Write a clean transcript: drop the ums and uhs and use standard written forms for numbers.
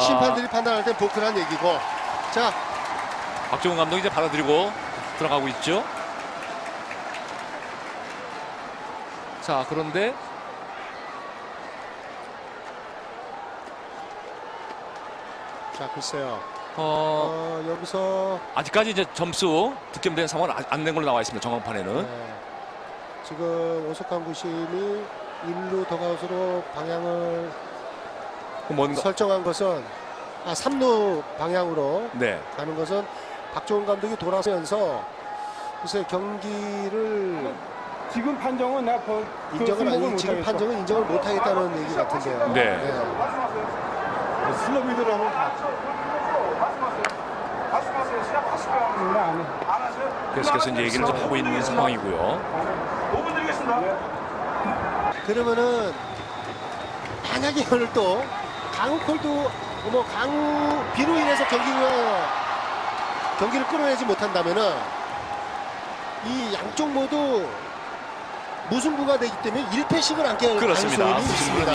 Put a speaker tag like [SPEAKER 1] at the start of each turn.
[SPEAKER 1] 심판들이 판단할 때 보크란 얘기고. 자,
[SPEAKER 2] 박종훈 감독이 이제 받아들이고 들어가고 있죠. 자, 그런데
[SPEAKER 1] 자 글쎄요. 여기서
[SPEAKER 2] 아직까지 이제 점수 득점된 상황은 안 된 걸로 나와 있습니다. 정황판에는.
[SPEAKER 1] 네, 지금 오석환 구심이 1루 더가웃으로 방향을
[SPEAKER 2] 뭔가
[SPEAKER 1] 설정한 것은 3루 방향으로
[SPEAKER 2] 네.
[SPEAKER 1] 가는 것은 박종훈 감독이 돌아서면서 글쎄 경기를
[SPEAKER 3] 지금 판정은 내가
[SPEAKER 1] 인정을 아니 지금 판정은 인정을 못하겠다는 얘기 같은데요.
[SPEAKER 2] 네.
[SPEAKER 3] 슬로비드로 하면
[SPEAKER 2] 계속해서 이제 얘기를 좀 하고 있는 상황이고요.
[SPEAKER 1] 그러면은 만약에 오늘 또 강우콜도 강우 비로 인해서 경기를 끌어내지 못한다면은 이 양쪽 모두 무승부가 되기 때문에 1패씩을 안게 할
[SPEAKER 2] 그렇습니다.
[SPEAKER 1] 가능성이 있습니다.